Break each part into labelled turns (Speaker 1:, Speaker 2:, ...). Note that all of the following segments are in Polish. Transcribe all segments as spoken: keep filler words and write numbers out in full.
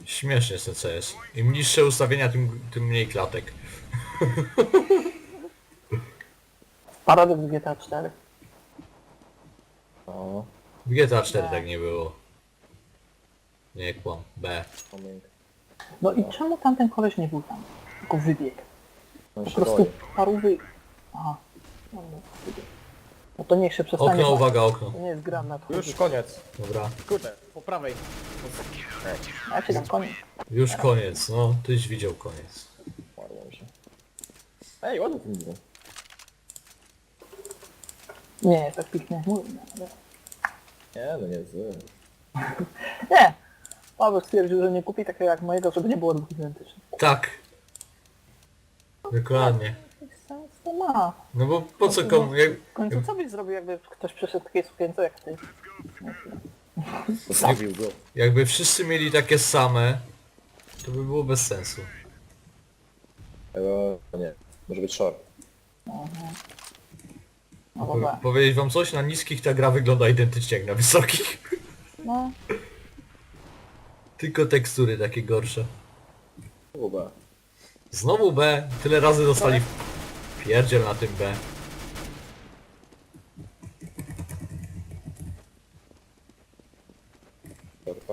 Speaker 1: Śmiesznie jest ten C S. Im niższe ustawienia, tym, tym mniej klatek.
Speaker 2: Paradoks G T A cztery.
Speaker 3: O,
Speaker 1: W G T A cztery
Speaker 2: Tak.
Speaker 1: tak nie było. Nie kłam. B.
Speaker 3: pamięć.
Speaker 2: No i czemu tamten koleś nie był tam? Tylko wybiegł.
Speaker 3: On
Speaker 2: Po
Speaker 3: się
Speaker 2: prostu
Speaker 3: boi.
Speaker 2: parówy... Aha. No, no, wybiegł. No to niech się przestanie...
Speaker 1: Okno,
Speaker 2: bać.
Speaker 1: uwaga, okno.
Speaker 2: To nie jest gra na
Speaker 3: Już koniec.
Speaker 1: Dobra.
Speaker 3: Kurde, po prawej.
Speaker 2: Jak się tam koniec?
Speaker 1: Już koniec, no. Tyś widział koniec.
Speaker 3: Umarło się. Ej, ładnie ten widzę.
Speaker 2: Nie, tak pięknie jak mówię. ale-
Speaker 3: Nie, no nie zły.
Speaker 2: Nie! Paweł stwierdził, że nie kupi takiego jak mojego, żeby nie było dwóch identycznych.
Speaker 1: Tak. Dokładnie.
Speaker 2: Jaki sens to ma?
Speaker 1: No bo po co komu... Jak,
Speaker 2: W końcu co byś zrobił, jakby ktoś przyszedł w takiej sukience jak ty?
Speaker 3: Zabił go.
Speaker 1: jakby wszyscy mieli takie same, to by było bez sensu.
Speaker 3: Eee, nie. Może być short.
Speaker 2: No
Speaker 1: Po,
Speaker 2: dobra.
Speaker 1: powiedzieć wam coś? Na niskich ta gra wygląda identycznie jak na wysokich.
Speaker 2: No,
Speaker 1: Tylko tekstury takie gorsze.
Speaker 3: Chyba.
Speaker 1: Znowu B. Tyle razy dostali pierdziel na tym B.
Speaker 3: Shorta.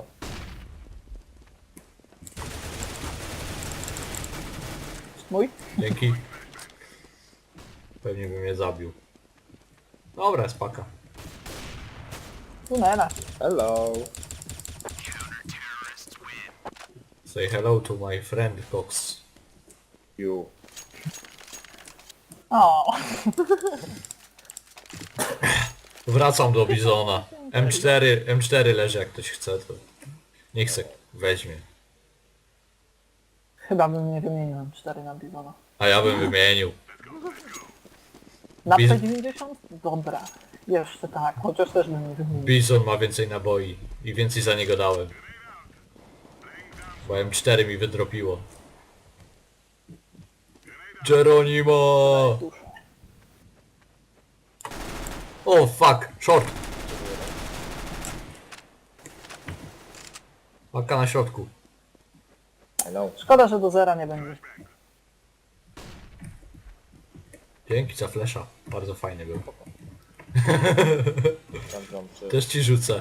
Speaker 2: mój?
Speaker 1: Dzięki. Pewnie by mnie zabił. Dobra, spaka.
Speaker 2: Tunela.
Speaker 3: Hello.
Speaker 1: Say hello to my friend Cox.
Speaker 3: You.
Speaker 2: O,
Speaker 1: Wracam do Bizona. M cztery, M cztery leży, jak ktoś chce, to niech se weźmie.
Speaker 2: chyba bym nie wymienił M cztery na Bizona.
Speaker 1: A ja bym wymienił.
Speaker 2: Na
Speaker 1: Biz-
Speaker 2: P dziewięćdziesiąt? Dobra. Jeszcze tak, chociaż też bym nie wymienił.
Speaker 1: Bizon ma więcej naboi i więcej za niego dałem. Bo M cztery mi wydropiło. Geronimo!
Speaker 2: Duszę.
Speaker 1: O fuck, short. Paka na środku.
Speaker 3: Hello.
Speaker 2: Szkoda, że do zera nie będzie.
Speaker 1: Dzięki za flesza. Bardzo fajny był.
Speaker 3: Tam, tam, czy...
Speaker 1: Też ci rzucę.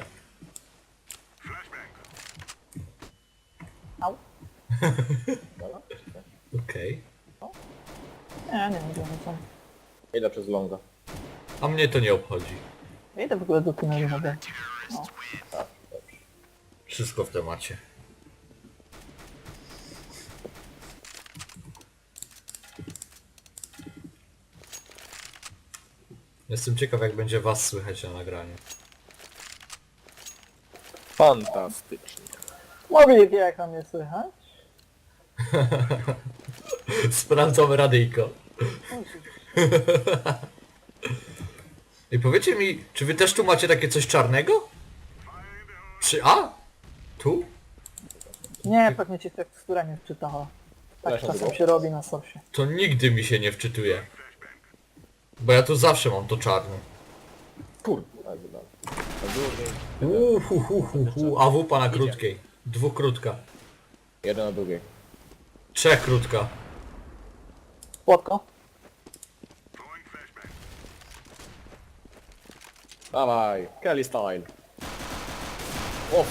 Speaker 2: Au.
Speaker 3: Dobra?
Speaker 1: Okej.
Speaker 2: Nie, nie wiem, co.
Speaker 3: Idę przez longa.
Speaker 1: A mnie to nie obchodzi.
Speaker 2: Idę w ogóle do tunelu na B.
Speaker 3: Tak, dobrze.
Speaker 1: Wszystko w temacie. Jestem ciekaw, jak będzie was słychać na nagraniu.
Speaker 3: Fantastycznie.
Speaker 2: Mówię, jak tam nie słychać?
Speaker 1: Sprawdzamy radyjko. I powiedzcie mi, czy wy też tu macie takie coś czarnego? Czy A? Tu?
Speaker 2: Nie, pewnie ci tekstura nie wczytała. Tak
Speaker 3: Przepraszam,
Speaker 2: czasem
Speaker 3: było?
Speaker 2: się robi na sosie.
Speaker 1: To nigdy mi się nie wczytuje. Bo ja tu zawsze mam to czarne.
Speaker 3: Kurde. Tak, dobra. Na drugiej.
Speaker 1: Uuu, hu, hu, hu, hu. A wupa na krótkiej. Dwóch krótka.
Speaker 3: Jeden na drugiej.
Speaker 1: Trzech krótka.
Speaker 2: Płotko?
Speaker 3: Dawaj. Kelly style. O,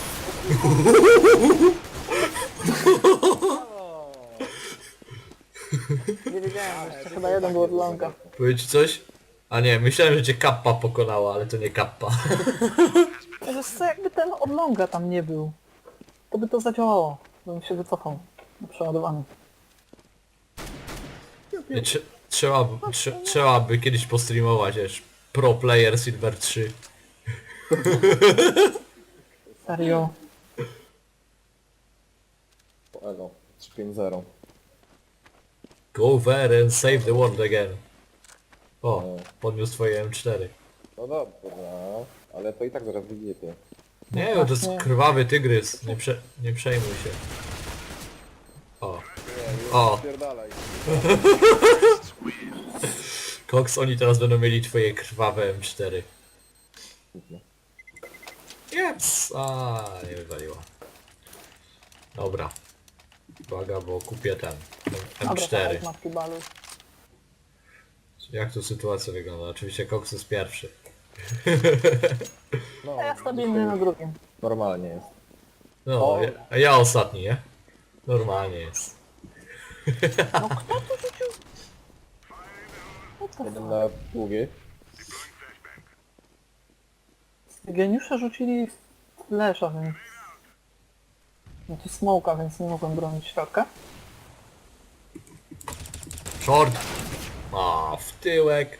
Speaker 2: Nie wiedziałem, jeszcze chyba jeden był od longa.
Speaker 1: Powiedz ci coś? A nie, myślałem, że cię kappa pokonała, ale to nie kappa.
Speaker 2: Wiesz co, jakby ten od longa tam nie był, to by to zadziałało. Bym się wycofał. Przeładowany.
Speaker 1: Nie, trze- trzeba, by- trze- trzeba by kiedyś postreamować, wiesz. Pro Player Silver trzy.
Speaker 2: Serio.
Speaker 3: elo. trzy pięć zero.
Speaker 1: Go there and save the world again. O, podniósł twoje M cztery.
Speaker 3: No dobra, ale to i tak zaraz wyjdzie.
Speaker 1: Nie, no to jest krwawy tygrys. Nie, prze- nie przejmuj się. O, o,
Speaker 3: Spierdalaj.
Speaker 1: Cox, oni teraz będą mieli twoje krwawe M cztery. Jeps! A nie wywaliło. Dobra. Uwaga, bo kupię ten. M
Speaker 2: Dobra,
Speaker 1: cztery.
Speaker 2: tak, matki balu.
Speaker 1: Jak tu sytuacja wygląda? Oczywiście Cox jest pierwszy.
Speaker 3: No,
Speaker 2: A ja stabilny
Speaker 3: dzisiaj
Speaker 2: na drugim.
Speaker 3: normalnie jest.
Speaker 1: No,
Speaker 3: O.
Speaker 1: ja, a ja ostatni, nie? Normalnie jest.
Speaker 2: No kto tu rzucił? What the
Speaker 3: Jeden
Speaker 2: fuck?
Speaker 3: na długiej.
Speaker 2: Geniusze rzucili flesza, więc... No to smoka, więc nie mogłem bronić środka.
Speaker 1: Short! A, w tyłek.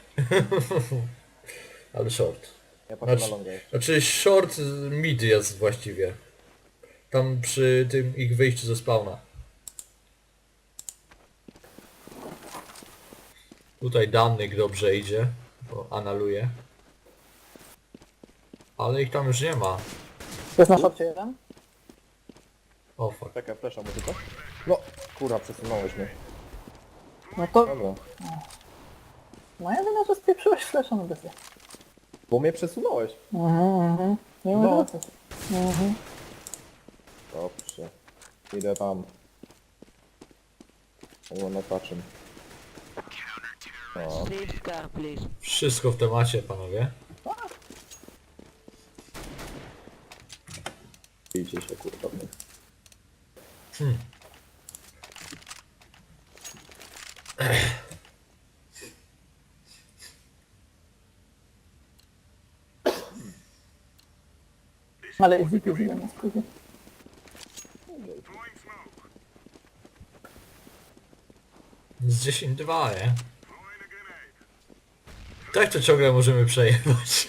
Speaker 1: Ale short.
Speaker 3: Ja patrzę
Speaker 1: Znaczy,
Speaker 3: na longa jeszcze.
Speaker 1: znaczy short mid jest właściwie. Tam przy tym ich wyjściu ze spawna. Tutaj Dannyk dobrze idzie, bo analuje. Ale ich tam już nie ma.
Speaker 2: Jest na szorcie jeden.
Speaker 1: O fuck.
Speaker 3: Czekaj, flesza mu tylko. No, kurwa, przesunąłeś mnie.
Speaker 2: No to...
Speaker 3: Dobra.
Speaker 2: No ja wiem, że spieprzyłeś flesza na bezję.
Speaker 3: Bo mnie przesunąłeś.
Speaker 2: Mhm, mhm. Nie
Speaker 3: No.
Speaker 2: mogę wracać. Mhm.
Speaker 3: Dobrze. Idę tam. O, na patrzę. O,
Speaker 4: Save car, please.
Speaker 1: Wszystko w temacie, panowie.
Speaker 3: bijcie się, kurwa.
Speaker 1: Hmm.
Speaker 2: Ale jest zipy ile na skrócie.
Speaker 1: Z dziesięć dwa, nie? Tak to ciągle możemy przejechać.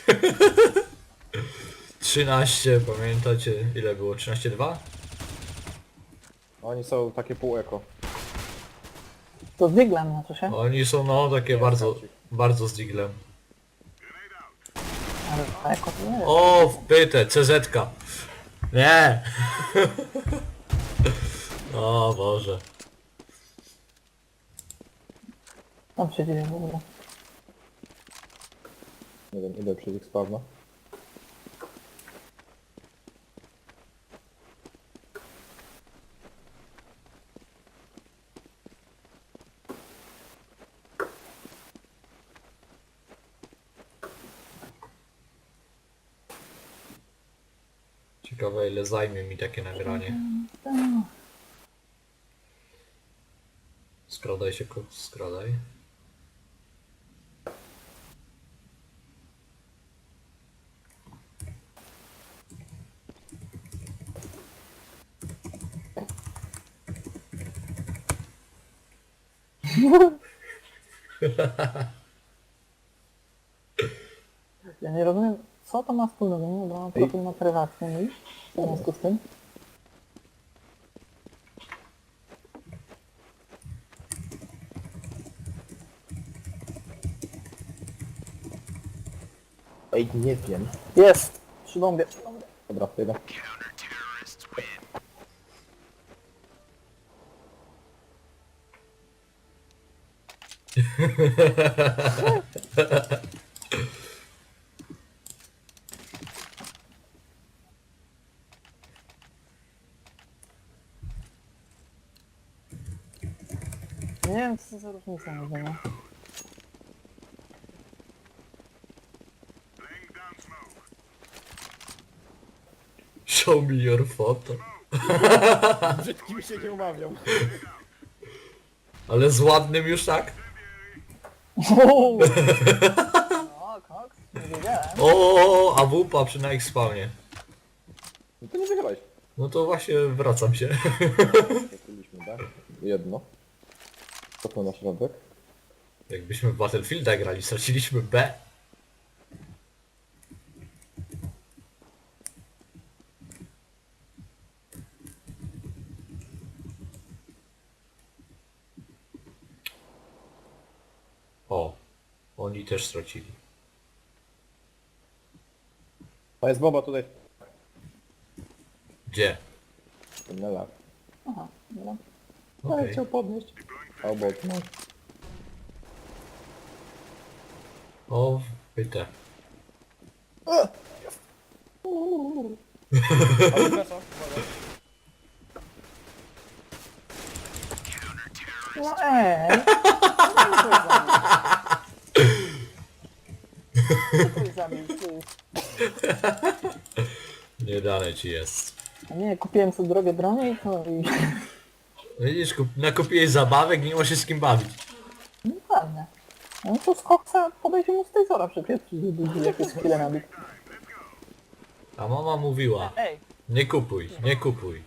Speaker 1: trzynaście, pamiętacie ile było? trzynaście dwa?
Speaker 3: Oni są takie pół eko.
Speaker 2: To z diglem na to się.
Speaker 1: Oni są no takie bardzo, bardzo z diglem.
Speaker 2: Ale eko to nie jest.
Speaker 1: O, wpytę, C Z ka. Nie! O Boże.
Speaker 2: Tam się dzieje w ogóle.
Speaker 3: Nie wiem, idę przez ich spawna.
Speaker 1: Ciekawe ile zajmie mi takie nagranie. Skradaj się, kot, skradaj.
Speaker 2: Ja nie rozumiem, co to ma wspólnego, nie? Bo mam profil na prywatny mój. W związku z tym.
Speaker 3: Ej, nie wiem.
Speaker 2: Jest! Przy bombie. Przy bombie.
Speaker 3: Dobra, idę.
Speaker 2: Nie wiem, co za różnica między nimi.
Speaker 1: Show me your photo.
Speaker 3: Brzydkim się nie umawiam.
Speaker 1: Ale z ładnym już tak?
Speaker 2: Uuu. No, koks, nie wiedziałem.
Speaker 1: O, a wupa przy na ich spawnie.
Speaker 3: No to nie wygrałeś.
Speaker 1: No to właśnie wracam się.
Speaker 3: Kupiliśmy, tak? Jedno. Co to na środek?
Speaker 1: Jakbyśmy w Battlefielda grali, straciliśmy B. O, oni też stracili.
Speaker 3: A jest bomba tutaj.
Speaker 1: Gdzie?
Speaker 3: W tunelach.
Speaker 2: Aha, dobra.
Speaker 1: Okej.
Speaker 3: Ale chciał podnieść. A obok, no.
Speaker 1: O, pytę.
Speaker 3: Ale przepraszam, uwaga.
Speaker 2: No ej! Co to zabił? Ty.
Speaker 1: Nie dalej ci jest.
Speaker 2: A nie, kupiłem sobie drogie bronie i to i...
Speaker 1: Widzisz, kup, nakupiłeś zabawek i nie ma się z kim bawić.
Speaker 2: No ładnie. No to z koksa podejdzie mu z tej zora przepieprzyć, żeby jakieś chwilę nabić.
Speaker 1: A mama mówiła,
Speaker 2: Ej!
Speaker 1: nie kupuj, nie kupuj.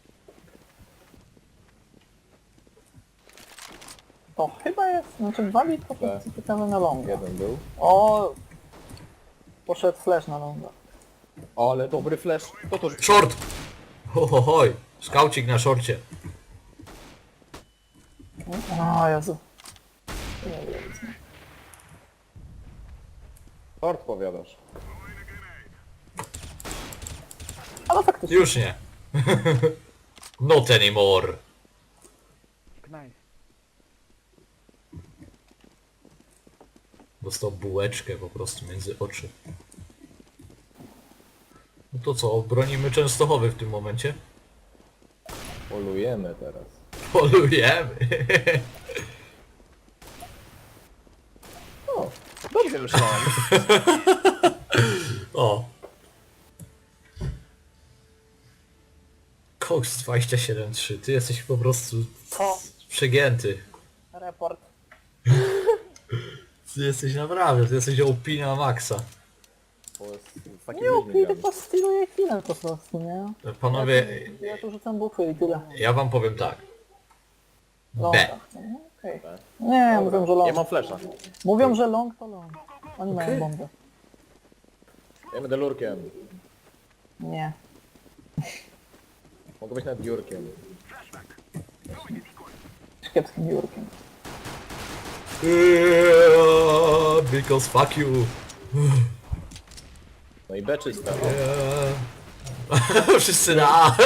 Speaker 2: To chyba jest, znaczy wali to
Speaker 3: Tak.
Speaker 2: co ciekawe na longa.
Speaker 3: Jeden był.
Speaker 2: O! Poszedł flash na longa.
Speaker 3: Ale dobry flash. To to
Speaker 1: Short! Ho, ho, hoj, skaucik na szorcie.
Speaker 2: O Jezu. Nie wiem.
Speaker 3: Short powiadasz.
Speaker 2: Ale faktycznie.
Speaker 1: Już nie. Not anymore. Dostał bułeczkę po prostu między oczy. No to co, bronimy Częstochowy w tym momencie?
Speaker 3: Polujemy teraz.
Speaker 1: Polujemy.
Speaker 3: O, dobrze myślałem.
Speaker 1: O. Cox dwadzieścia siedem trzy, ty jesteś po prostu
Speaker 2: Co?
Speaker 1: przegięty.
Speaker 2: Report.
Speaker 1: Ty jesteś naprawdę, ty jesteś O P na maksa.
Speaker 3: Bo z, z takim
Speaker 2: Nie
Speaker 3: ludźmi
Speaker 2: upi,
Speaker 3: gramy.
Speaker 2: tylko styluję chwilę po prostu, nie?
Speaker 1: Panowie,
Speaker 2: Ja tu rzucam bufy i tyle.
Speaker 1: ja wam powiem tak.
Speaker 2: Longa.
Speaker 1: B.
Speaker 2: No, okej.
Speaker 3: B.
Speaker 2: Nie, mówią, że
Speaker 3: Ja
Speaker 2: long.
Speaker 3: mam flasha.
Speaker 2: Mówią, że long to long. Oni mają bombę.
Speaker 3: Ja będę lurkiem.
Speaker 2: Nie.
Speaker 3: Mogę być nawet biurkiem.
Speaker 2: Z kiepskim biurkiem.
Speaker 1: Eee, because fuck you.
Speaker 3: No i B czysta. No.
Speaker 1: Eee. Wszyscy na A.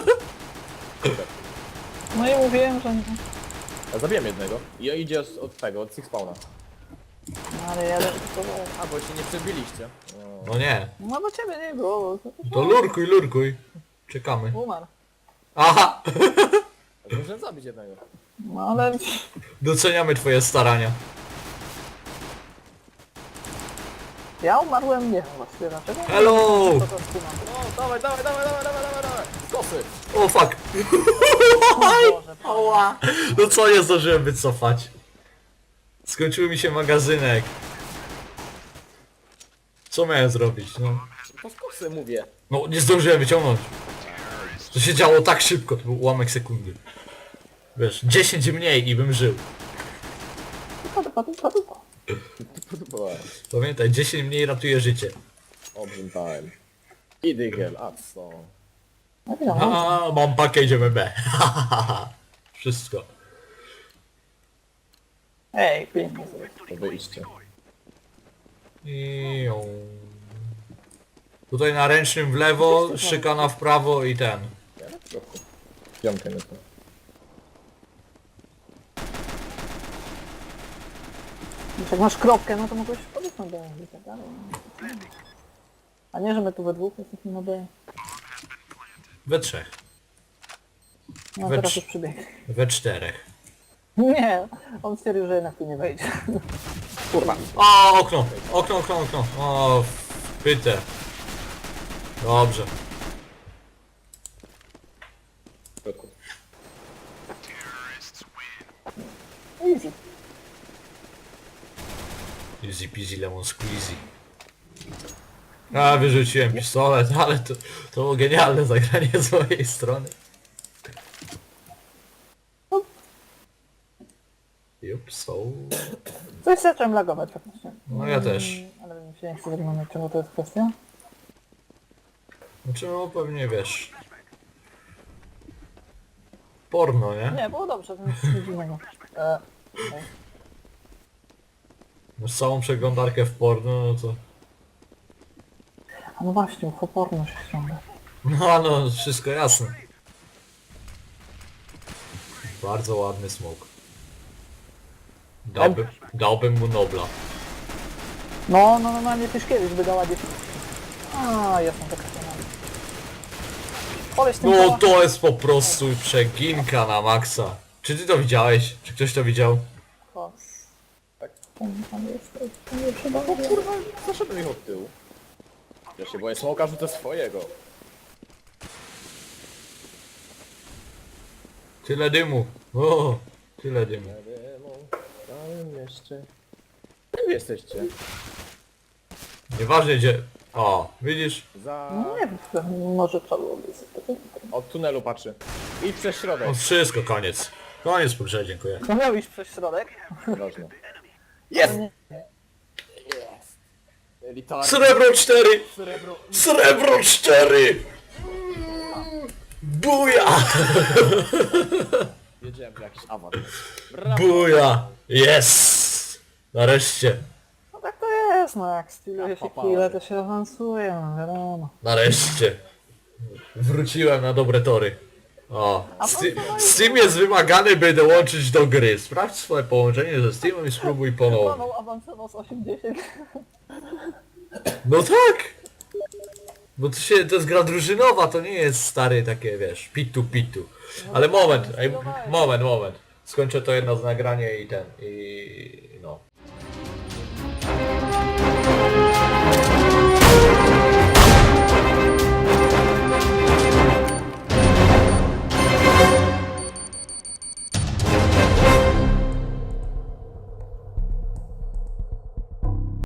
Speaker 2: No i mówiłem, że nie.
Speaker 3: Ja zabiłem jednego. I idzie z- od tego, od Six Spawna.
Speaker 2: No, ale ja to...
Speaker 3: A, bo się nie przebiliście.
Speaker 1: No nie.
Speaker 2: No do ciebie nie było.
Speaker 1: To lurkuj, lurkuj. Czekamy.
Speaker 2: Umarł.
Speaker 1: Aha!
Speaker 3: A muszę zabić jednego.
Speaker 2: No ale...
Speaker 1: Doceniamy twoje starania.
Speaker 2: Ja umarłem, nie wiem właściwie dlaczego.
Speaker 1: Hello!
Speaker 2: To to skumam.
Speaker 3: O, dawaj, dawaj, dawaj, dawaj, dawaj, dawaj, dawaj. Z kosy.
Speaker 1: O fuck!
Speaker 2: O Boże, Panie.
Speaker 1: Oła! No co, nie zdążyłem wycofać. Skończył mi się magazynek. Co miałem zrobić, no?
Speaker 3: To z kosy mówię.
Speaker 1: No, nie zdążyłem wyciągnąć. To się działo tak szybko, to był ułamek sekundy. Wiesz, dziesięć mniej i bym żył.
Speaker 2: Dupa, dupa, dupa, dupa.
Speaker 3: Podobała.
Speaker 1: Pamiętaj, dziesięć mniej ratuje życie.
Speaker 3: Obrzym time. I Digel, a co?
Speaker 2: No wiadomo.
Speaker 1: A, mam pakę, idziemy B. Wszystko.
Speaker 2: Ej, pięknie sobie.
Speaker 3: To wyjście.
Speaker 1: I ją. Tutaj na ręcznym w lewo, szykana w prawo i ten.
Speaker 3: Ja na trochę. Piątkę nie to.
Speaker 2: Jak masz kropkę, no to mogłeś podejść na B i tak dalej. A nie, że my tu we dwóch jesteśmy na B.
Speaker 1: We trzech.
Speaker 2: No
Speaker 1: We
Speaker 2: teraz
Speaker 1: trz-
Speaker 2: już przybiegł.
Speaker 1: We czterech.
Speaker 2: Nie, on stwierdził, że jednak tu nie wejdzie.
Speaker 3: Kurwa.
Speaker 1: O, okno! Okno, okno, okno. O, pyte. Dobrze.
Speaker 3: W środku.
Speaker 2: Easy.
Speaker 1: Easy peasy lemon squeezy. A, wyrzuciłem pistolet, ale to, to było genialne zagranie z mojej strony. Jup, so.
Speaker 2: Coś zacząłem lagować faktycznie.
Speaker 1: No ja też.
Speaker 2: Mm, Ale mi się nie chce wyglądać, czego to jest kwestia.
Speaker 1: Znaczy, no pewnie wiesz. Porno, nie?
Speaker 2: Nie, było dobrze, to nic nic dziwnego. E, okej.
Speaker 1: Masz całą przeglądarkę w porno, no to...
Speaker 2: A no właśnie, uchoporno się ściąga.
Speaker 1: No, no, wszystko jasne. Bardzo ładny smok. Dałbym, dałbym mu Nobla.
Speaker 2: No, no normalnie Tyszkiewicz by dała dzieci. A, jestem taka sama. Koleś tym
Speaker 1: No
Speaker 2: koła-
Speaker 1: to jest po prostu przeginka na maksa. Czy ty to widziałeś? Czy ktoś to widział?
Speaker 2: Kos.
Speaker 3: Tak.
Speaker 2: Tam, tam jesteś, to nie trzeba.
Speaker 3: O kurwa, zaszedłem ich od tyłu. Ja się boję smoka, rzucę swojego.
Speaker 1: Tyle dymu. O, tyle dymu.
Speaker 3: Jadę w całym mieście. Gdzie wy jesteście?
Speaker 1: Nieważne gdzie... O, widzisz?
Speaker 3: Za...
Speaker 2: No nie wiem, może trzeba byłoby sobie.
Speaker 3: Od tunelu patrzy. I przez środek.
Speaker 1: O, wszystko, koniec. Koniec po grze, dziękuję.
Speaker 2: No miał iść przez środek.
Speaker 3: Ważne. Jest!
Speaker 2: Nie.
Speaker 3: Elitarny.
Speaker 1: Srebro cztery!
Speaker 3: Srebro.
Speaker 1: Srebro cztery! Buja!
Speaker 3: Wiedziałem, że jakiś awat. Brawo.
Speaker 1: Buja! Yes! Nareszcie.
Speaker 2: No tak to jest, no jak styluje się
Speaker 3: Papa.
Speaker 2: chwilę, to się awansuje, no wiadomo.
Speaker 1: Nareszcie. Wróciłem na dobre tory. O, Sti- Steam jest wymagany, by dołączyć do gry. Sprawdź swoje połączenie ze Steamem i spróbuj ponownie.
Speaker 2: Paweł awansował z osiemdziesiąt.
Speaker 1: No tak! Bo to się, to jest gra drużynowa, to nie jest stary takie, wiesz, pitu pitu. Ale moment, ej, moment, moment. Skończę to jedno z nagranie i ten, i...